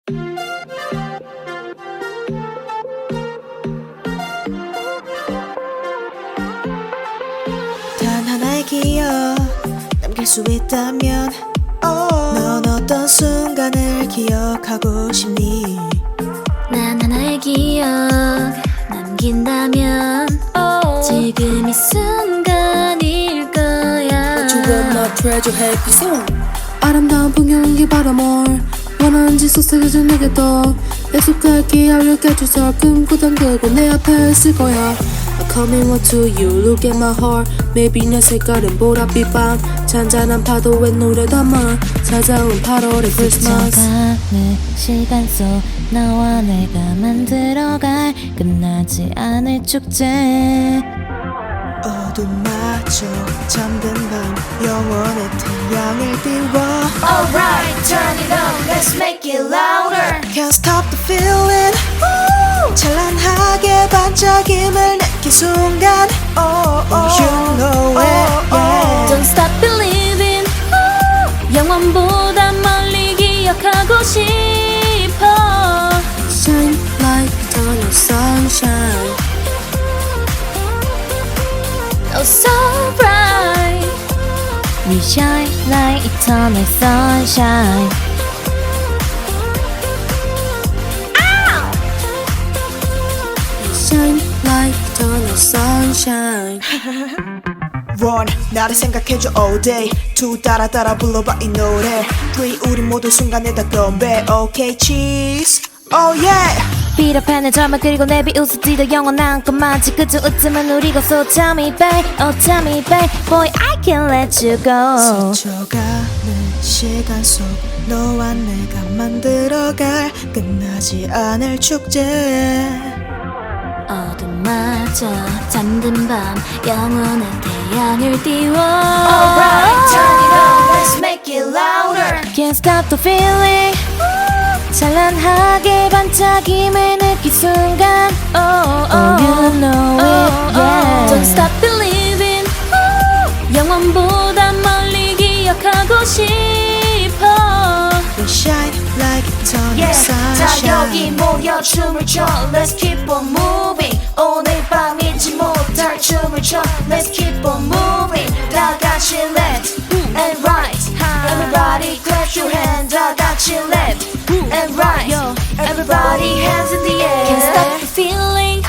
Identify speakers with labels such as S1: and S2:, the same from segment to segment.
S1: 단 하나의 기억 남길 수 있다면 넌 어떤 순간을 기억하고 싶니?
S2: 난 하나의 기억 남긴다면 지금 이 순간일 거야.
S3: 지금 나 treasure happy song. 아름다운 풍경이 바로 뭘 원하는지 속삭여줘 내게 또 약속할게 알려줘 꿈꾸던 그곳 내 앞에 있을 거야. I'm coming on to you, look at my heart. Maybe 내 색깔은 보랏빛 밤 잔잔한 파도에 노래 담아 찾아온 8월의 Christmas.
S2: 스쳐가는 시간 속 너와 내가 만들어갈 끝나지 않을 축제.
S1: 어둠마저 잠든 밤 영원의 태양을 띄워
S2: Alright, turn it on, let's make it louder.
S1: Can't stop the feeling 찬란하게 반짝임을 느낀 순간 You know it yeah.
S2: Don't stop believing. 영원보다 멀리 기억하고 싶어.
S3: Shine like eternal sunshine.
S2: Oh, so bright. We shine like eternal sunshine.
S3: Shine like eternal sunshine.
S1: One, 나를 생각해줘 all day. Two, 따라 불러봐 이 노래. Three, 우리 모두 순간에 다 건배. Okay, cheese. Oh yeah.
S2: 비겁한 내 절망 그리고 내 비웃음지도 영원한 것만지 그저 웃음은 우리고 So tell me babe, oh tell me babe. Boy I can't let you go.
S1: 스쳐가는 시간 속 너와 내가 만들어갈 끝나지 않을 축제.
S2: 어둠마저 잠든 밤 영원한 태양을 띄워.
S4: Alright, turn it on, let's make it louder.
S2: Can't stop the feeling. 찬란하게 반짝임을 느낀 순간 you know it yeah. Don't stop believing. 영원보다 멀리 기억하고 싶어.
S1: We shine like eternal
S4: Yeah, 다
S1: sunshine.
S4: 여기 모여 춤을 춰. Let's keep on moving. 오늘 밤 잊지 못할 춤을 춰. Let's keep on moving. 다 같이 left and right. Everybody clap your hands. 다 같이 left and right. Everybody hands in the air.
S2: Can't stop the feeling.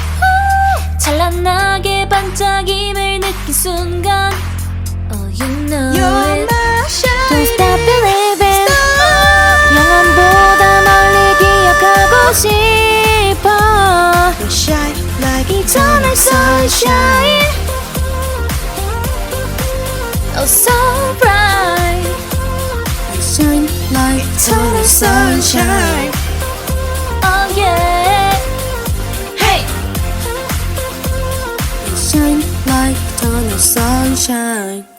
S2: 찬란하게 반짝임을 느낀 순간 you know
S1: You're
S2: it.
S1: my
S2: Don't
S1: shine.
S2: stop believing. 영원보다 멀리 기억하고 싶어.
S1: We shine like
S2: Eternal
S1: eternal sunshine.
S2: sunshine. Oh so bright.
S3: Shine like eternal sunshine.
S2: Oh yeah. Hey.
S3: Shine like eternal sunshine.